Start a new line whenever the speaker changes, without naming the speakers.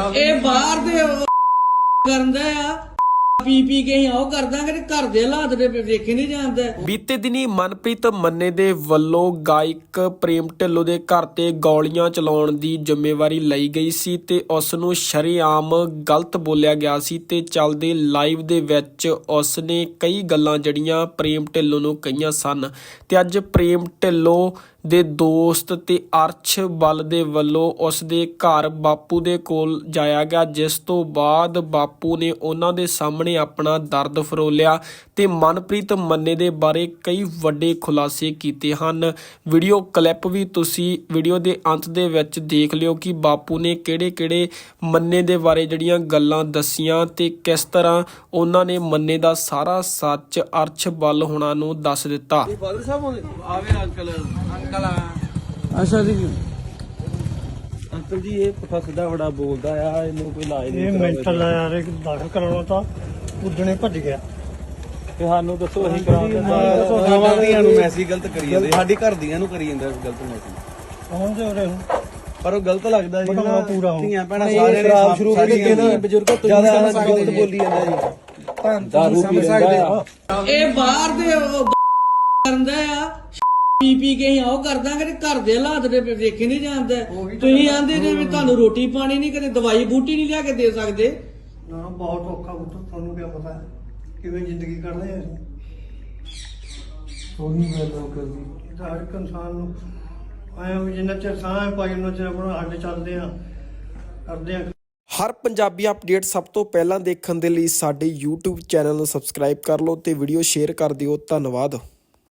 ਇਹ ਬਾਹਰ ਦੇ ਕਰਦਾ ਆ ਪੀ ਪੀ ਕੇ ਉਹ ਕਰਦਾਂਗੇ ਤੇ ਘਰ ਦੇ ਹਾਲਾਤ ਦੇ ਵੇਖੇ ਨਹੀਂ ਜਾਂਦਾ।
ਬੀਤੇ ਦਿਨੀ ਮਨਪ੍ਰੀਤ ਮੰਨੇ ਦੇ ਵੱਲੋਂ ਗਾਇਕ ਪ੍ਰੇਮ ਢਿੱਲੋਂ ਦੇ ਘਰ ਤੇ ਗੋਲੀਆਂ ਚਲਾਉਣ ਦੀ ਜ਼ਿੰਮੇਵਾਰੀ ਲਈ ਗਈ ਸੀ ਤੇ ਉਸ ਨੂੰ ਸ਼ਰੇਆਮ ਗਲਤ ਬੋਲਿਆ ਗਿਆ ਸੀ ਤੇ ਚੱਲਦੇ ਲਾਈਵ ਦੇ ਵਿੱਚ ਉਸ ਨੇ ਕਈ ਗੱਲਾਂ ਜੜੀਆਂ ਪ੍ਰੇਮ ਢਿੱਲੋਂ ਨੂੰ ਕਹੀਆਂ ਸਨ ਤੇ ਅੱਜ ਪ੍ਰੇਮ ਢਿੱਲੋਂ ਦੇ ਦੋਸਤ ਤੇ ਅਰਸ਼ ਬਲ ਦੇ ਵੱਲੋਂ ਉਸ ਦੇ ਘਰ ਬਾਪੂ ਦੇ ਕੋਲ ਜਾਇਆ ਗਿਆ, ਜਿਸ ਤੋਂ ਬਾਅਦ ਬਾਪੂ ਨੇ ਉਹਨਾਂ ਦੇ ਸਾਹਮਣੇ ਆਪਣਾ ਦਰਦ ਫਰੋਲਿਆ ਤੇ ਮਨਪ੍ਰੀਤ ਮੰਨੇ ਦੇ ਬਾਰੇ ਕਈ ਵੱਡੇ ਖੁਲਾਸੇ ਕੀਤੇ ਹਨ। ਵੀਡੀਓ ਕਲਿੱਪ ਵੀ ਤੁਸੀਂ ਵੀਡੀਓ ਦੇ ਅੰਤ ਦੇ ਵਿੱਚ ਦੇਖ ਲਿਓ ਕਿ ਬਾਪੂ ਨੇ ਕਿਹੜੇ ਮੰਨੇ ਦੇ ਬਾਰੇ ਜਿਹੜੀਆਂ ਗੱਲਾਂ ਦੱਸੀਆਂ ਤੇ ਕਿਸ ਤਰ੍ਹਾਂ ਉਹਨਾਂ ਨੇ ਮੰਨੇ ਦਾ ਸਾਰਾ ਸੱਚ ਅਰਸ਼ ਬਲ ਹੋਣਾ ਨੂੰ ਦੱਸ ਦਿੱਤਾ।
ਫਾਦਰ ਸਾਹਿਬ ਆਵੇ ਅੰਕਲ
ਅੱਛਾ ਜੀ
ਅੰਕਲ ਜੀ ਇਹ ਪੁੱਠਾ ਸਿੱਧਾ ਬੜਾ ਬੋਲਦਾ ਆ, ਇਹਨੂੰ ਕੋਈ ਇਲਾਜ
ਇਹ ਮੈਂਟਲ ਆ ਯਾਰ, ਇਹ ਦਾਖਲ ਕਰਾਉਣਾ ਤਾਂ ਉਦਣੇ ਭੱਜ ਗਿਆ।
ਤੇ ਸਾਨੂੰ ਦੱਸੋ ਅਸੀਂ ਕਰਾਉਂਦੇ
ਸਾਡੀਆਂ ਨੂੰ ਮੈਸੇਜ ਗਲਤ ਕਰੀ ਜਾਂਦੇ, ਸਾਡੀ ਘਰ ਦੀਆਂ ਨੂੰ ਕਰੀ ਜਾਂਦਾ ਗਲਤ ਮੈਸੇਜ।
ਹੁਣ ਤੇ ਉਰੇ ਹੁਣ
ਪਰ ਉਹ ਗਲਤ ਲੱਗਦਾ ਜੀ
ਬੜਾ ਪੂਰਾ ਹੋ
ਧੀਆਂ ਭੈਣਾਂ ਸਾਰੇ ਸ਼ਰਾਬ ਸ਼ੁਰੂ ਕਰਕੇ ਨਾ ਬਜ਼ੁਰਗੋ ਜਿਆਦਾ ਗਲਤ ਬੋਲੀ ਜਾਂਦਾ ਜੀ।
ਦਾਰੂ ਪੀ ਲੈਂਦਾ। ਇਹ ਬਾਹਰ ਦੇ ਕਰਦਾ ਆ ਪੀ ਪੀ ਕੇ ਉਹ ਕਰਦਾਂਗੇ ਤੇ ਘਰ ਦੇ ਹਾਲਾਤ ਦੇ ਵੇਖੇ ਨਹੀਂ ਜਾਂਦਾ। ਤੁਸੀਂ ਆਂਦੇ ਜੇ ਵੀ ਤੁਹਾਨੂੰ ਰੋਟੀ ਪਾਣੀ ਨਹੀਂ, ਕਦੇ ਦਵਾਈ ਬੂਟੀ ਨਹੀਂ ਲਿਆ ਕੇ ਦੇ ਸਕਦੇ।
ਨਾ ਬਹੁਤ ਔਖਾ ਪੁੱਤ, ਤੁਹਾਨੂੰ ਕੀ ਪਤਾ ਹੈ ਕਿਵੇਂ ਜ਼ਿੰਦਗੀ ਕੱਢਦੇ ਆ ਅਸੀਂ।
ਉਹੀ ਗੱਲ ਉਹ ਕਰਦੀ
ਹਰ ਇੱਕ ਇਨਸਾਨ ਨੂੰ ਆਇਆ ਵੀ ਜਿੰਨਾ ਚਿਰ ਸਾਹ ਪਾਈ ਉਹਨਾਂ ਚਿਰ ਆਪਣਾ ਹੱਡ ਚੱਲਦੇ ਆ ਕਰਦੇ ਆ।
ਹਰ ਪੰਜਾਬੀ ਅਪਡੇਟ ਸਭ ਤੋਂ ਪਹਿਲਾਂ ਦੇਖਣ ਦੇ ਲਈ ਸਾਡੇ YouTube ਚੈਨਲ ਨੂੰ ਸਬਸਕ੍ਰਾਈਬ ਕਰ ਲਓ ਤੇ ਵੀਡੀਓ ਸ਼ੇਅਰ ਕਰ ਦਿਓ। ਧੰਨਵਾਦ।